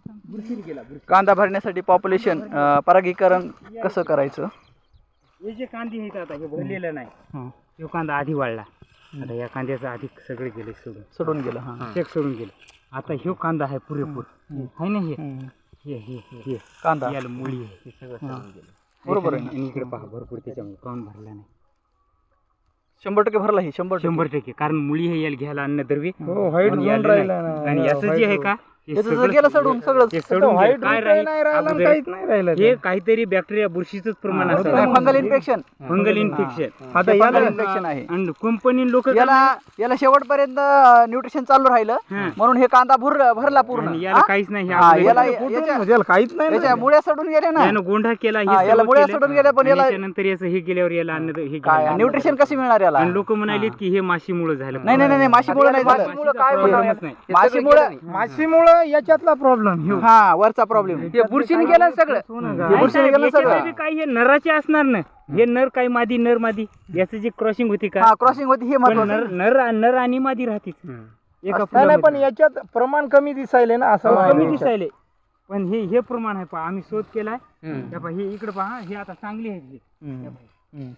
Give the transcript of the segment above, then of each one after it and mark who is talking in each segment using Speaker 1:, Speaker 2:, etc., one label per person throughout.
Speaker 1: कांदा भरण्यासाठी पॉप्युलेशन परागीकरण कसं करायचं?
Speaker 2: हे जे कांदे आहेत आता हे भरलेलं नाही, तो कांदा आधी वाढला. आता या कांद्याचं आधी सगळे गेले
Speaker 1: सोडून गेलं. हां,
Speaker 2: चेक सोडून गेले. आता ह्यो कांदा आहे पुरेपूर आहे ना. हे
Speaker 1: कांदा
Speaker 2: याला मुळी आहे, हे सगळं सोडून गेलं.
Speaker 1: बरोबर आहे ना.
Speaker 2: आणि इकडे पहा भरपूर त्याच्यामुळे काऊन भरला नाही.
Speaker 1: 100% भरला ही
Speaker 2: 100%. कारण मुळी हे याला घ्यायला अन्नद्रव्य
Speaker 3: व्हाईट
Speaker 2: आणि
Speaker 3: झोन
Speaker 2: याला
Speaker 3: राहिला
Speaker 2: नाही.
Speaker 3: ना.
Speaker 2: आणि याचं जे आहे का हे
Speaker 1: याचं
Speaker 2: सगळं
Speaker 1: गेलं सोडून सगळंच.
Speaker 2: हे सोडून
Speaker 3: व्हाईट
Speaker 2: गेलं. काय
Speaker 3: नाही राहिला आणि काहीच नाही राहिलं.
Speaker 2: हे काहीतरी बॅक्टेरिया बुरशीच प्रमाण असतं.
Speaker 1: Fungal infection.
Speaker 2: Fungal infection.
Speaker 1: आता याला इन्फेक्शन आहे.
Speaker 2: आणि कंपनी लोक
Speaker 1: याला शेवटपर्यंत न्यूट्रिशन चालू राहिलं म्हणून हे कांदा भरला पूर्ण.
Speaker 2: याला काहीच नाही.
Speaker 1: याला
Speaker 3: याला काहीच नाही
Speaker 1: याच्या मुळ्या सोडून गेल्या ना.
Speaker 2: यानं गोंढा केला.
Speaker 1: याला मुळ्या सोडून गेल्या पण याला
Speaker 2: नंतर याचं हे गेल्यावर याला अन्न हे
Speaker 1: काय न्यूट्रिशन कशी मिळणार याला?
Speaker 2: आणि लोक म्हणालेत की हे माशीमुळे झालं.
Speaker 1: नाही माशीमुळे नाही झालं.
Speaker 3: माशीमुळं याच्यातला प्रॉब्लेम.
Speaker 1: हा वरचा प्रॉब्लेम
Speaker 4: बुरशीने गेलं सगळं.
Speaker 2: काही हे नराचे असणार ना. हे नर काही मादी नर मादी याचं जे क्रॉसिंग होती का,
Speaker 1: क्रॉसिंग होती हे महत्वाचं.
Speaker 2: नर आणि मादी राहतीच एका
Speaker 3: नाही पण याच्यात प्रमाण कमी दिसायले ना. असं
Speaker 2: कमी दिसायले. पण हे प्रमाण आहे पहा. आम्ही शोध केलाय. हे इकडे पहा. हे आता चांगली आहे.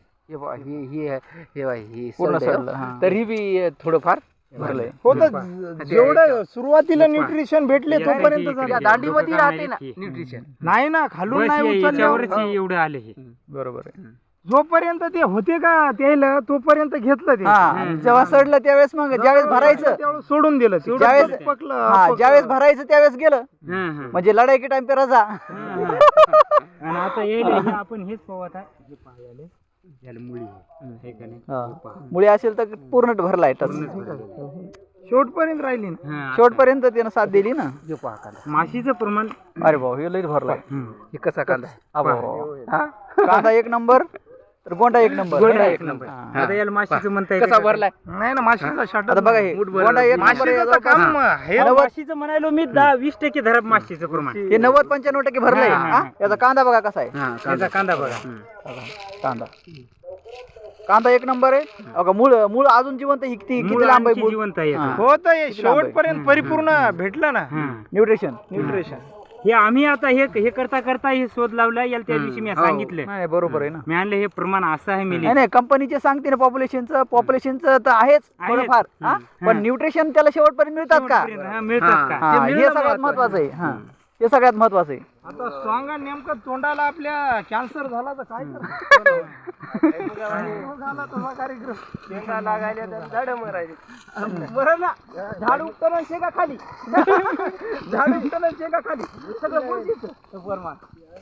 Speaker 1: पूर्ण सडलं.
Speaker 4: तरी बी थोडंफार
Speaker 1: भरलंय.
Speaker 3: हो तर जेवढं सुरुवातीला न्यूट्रिशन भेटले तोपर्यंत
Speaker 4: दांडीमध्ये राहते ना न्यूट्रिशन.
Speaker 3: नाही ना. खालून नाही
Speaker 2: याच्यावरच
Speaker 3: उचललं.
Speaker 2: एवढं आले हे.
Speaker 1: बरोबर आहे.
Speaker 3: जोपर्यंत ते होते का त्याला तोपर्यंत घेतलं ते.
Speaker 1: जेव्हा सडलं त्यावेळेस मग ज्यावेळेस भरायचं
Speaker 3: त्यावेळेस सोडून दिलं.
Speaker 1: ज्यावेळेस ज्यावेळेस भरायचं त्यावेळेस गेलं म्हणजे लढाई की टाइम पे रजा.
Speaker 2: आणि आता हे आपण हेच पाहू आता. हे पाहायला याला मुळी आहे का नाही.
Speaker 1: मुळे असेल तर पूर्ण भरलाय टच.
Speaker 3: शेवटपर्यंत राहिली ना.
Speaker 1: शेवटपर्यंत त्यानं साथ दिली ना.
Speaker 2: माशीचं प्रमाण.
Speaker 1: अरे भाऊ हे लई भरलाय.
Speaker 4: हे कसा कांदा
Speaker 1: कांदा एक नंबर तर गोंडा एक नंबर.
Speaker 2: आता याला माशीचं म्हणता
Speaker 4: कसा भरलाय.
Speaker 3: नाही ना. माशीचा शाट
Speaker 1: आता बघा हे गोंडा एक नंबर आहे.
Speaker 3: काम हे
Speaker 2: माशीचं म्हणालो मी 10-20% धरा माशीचं प्रमाण.
Speaker 1: हे 90-95% भरलंय. याचा कांदा बघा कसा आहे.
Speaker 2: त्याचा कांदा बघा.
Speaker 1: कांदा एक नंबर आहे. बघा मूळ अजून जिवंत आहे. किती लांब आहे मूळ.
Speaker 2: जिवंत आहे याचं.
Speaker 3: हो तर शेवटपर्यंत परिपूर्ण भेटलं ना
Speaker 1: न्यूट्रिशन.
Speaker 2: हे आम्ही आता हे करता हे शोध लावला. याला त्या दिवशी मी सांगितलं.
Speaker 1: नाही बरोबर आहे ना.
Speaker 2: मी आणलं हे प्रमाण असं आहे. मी
Speaker 1: नाही कंपनीचे सांगते ना पॉप्युलेशनचं तर आहेच थोडंफार. पण न्यूट्रिशन त्याला शेवटपर्यंत मिळतात का?
Speaker 2: मिळतात का
Speaker 1: हे सगळ्यात महत्वाचं आहे. हे सगळ्यात महत्वाचं आहे.
Speaker 3: आता सांगा नेमकं तोंडाला आपल्या कॅन्सर झाला तर काय झाला तसा कार्यक्रम.
Speaker 4: शेंगा लागायला तर झाडं मरायली.
Speaker 3: बरं ना. झाड उपटणं शेंगा खाली. झाड उपटणं शेंगा खाली. सगळं बुरशीचं प्रमाण.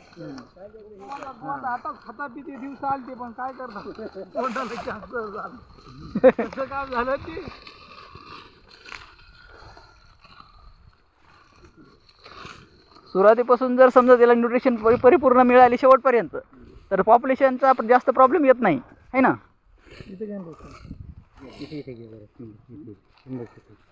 Speaker 3: आता खाता पिते दिवस आलते पण काय करतात तोंडाला कॅन्सर झालं. कसं काम झालं ते.
Speaker 1: सुरुवातीपासून जर समजा त्याला न्यूट्रिशन परिपूर्ण मिळाली शेवटपर्यंत तर पॉप्युलेशनचा जास्त प्रॉब्लेम येत नाही है ना.
Speaker 2: इथे